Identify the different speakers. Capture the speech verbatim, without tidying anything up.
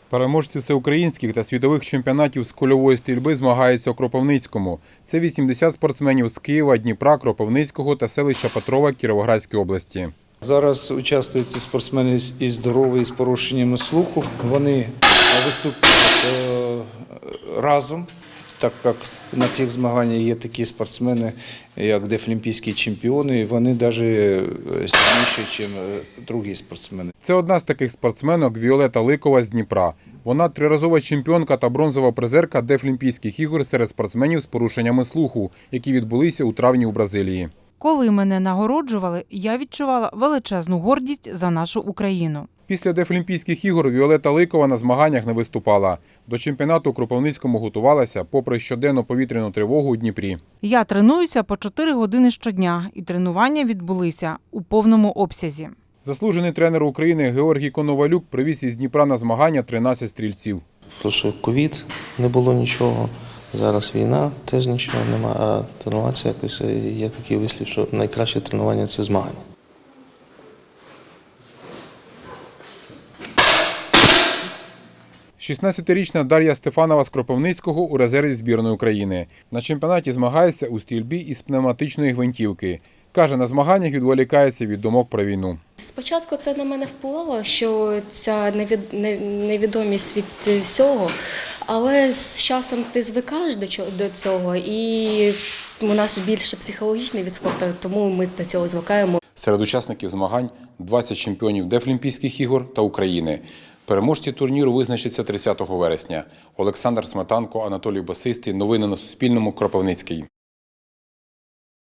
Speaker 1: Переможці всеукраїнських та світових чемпіонатів з кульової стрільби змагаються у Кропивницькому. Це вісімдесят спортсменів з Києва, Дніпра, Кропивницького та селища Петрова Кіровоградської області.
Speaker 2: Зараз участвують і спортсмени і здорові, і з порушеннями слуху. Вони виступають разом, так як на цих змаганнях є такі спортсмени, як дефлімпійські чемпіони, і вони навіть сильніші, ніж інші спортсмени.
Speaker 1: Це одна з таких спортсменок Віолета Ликова з Дніпра. Вона триразова чемпіонка та бронзова призерка Дефлімпійських ігор серед спортсменів з порушеннями слуху, які відбулися у травні у Бразилії.
Speaker 3: Коли мене нагороджували, я відчувала величезну гордість за нашу Україну.
Speaker 1: Після Дефлімпійських ігор Віолета Ликова на змаганнях не виступала. До чемпіонату у Кропивницькому готувалася, попри щоденну повітряну тривогу у Дніпрі.
Speaker 3: Я тренуюся по чотири години щодня, і тренування відбулися у повному обсязі.
Speaker 1: Заслужений тренер України Георгій Коновалюк привіз із Дніпра на змагання тринадцять стрільців.
Speaker 4: Тому що ковід, не було нічого, зараз війна, теж нічого немає, а тренуватися якось є такий вислів, що найкраще тренування – це змагання.
Speaker 1: шістнадцятирічна Дар'я Стефанова з Кропивницького у резерві збірної України. На чемпіонаті змагається у стрільбі із пневматичної гвинтівки. Каже, на змаганнях відволікається від думок про війну.
Speaker 5: Спочатку це на мене впливало, що ця невідомість від всього, але з часом ти звикаєш до цього, і у нас більше психологічний від спорту, тому ми до цього звикаємо.
Speaker 1: Серед учасників змагань двадцять чемпіонів Дефлімпійських ігор та України. Переможці турніру визначаться тридцятого вересня. Олександр Сметанко, Анатолій Басистий. Новини на Суспільному. Кропивницький.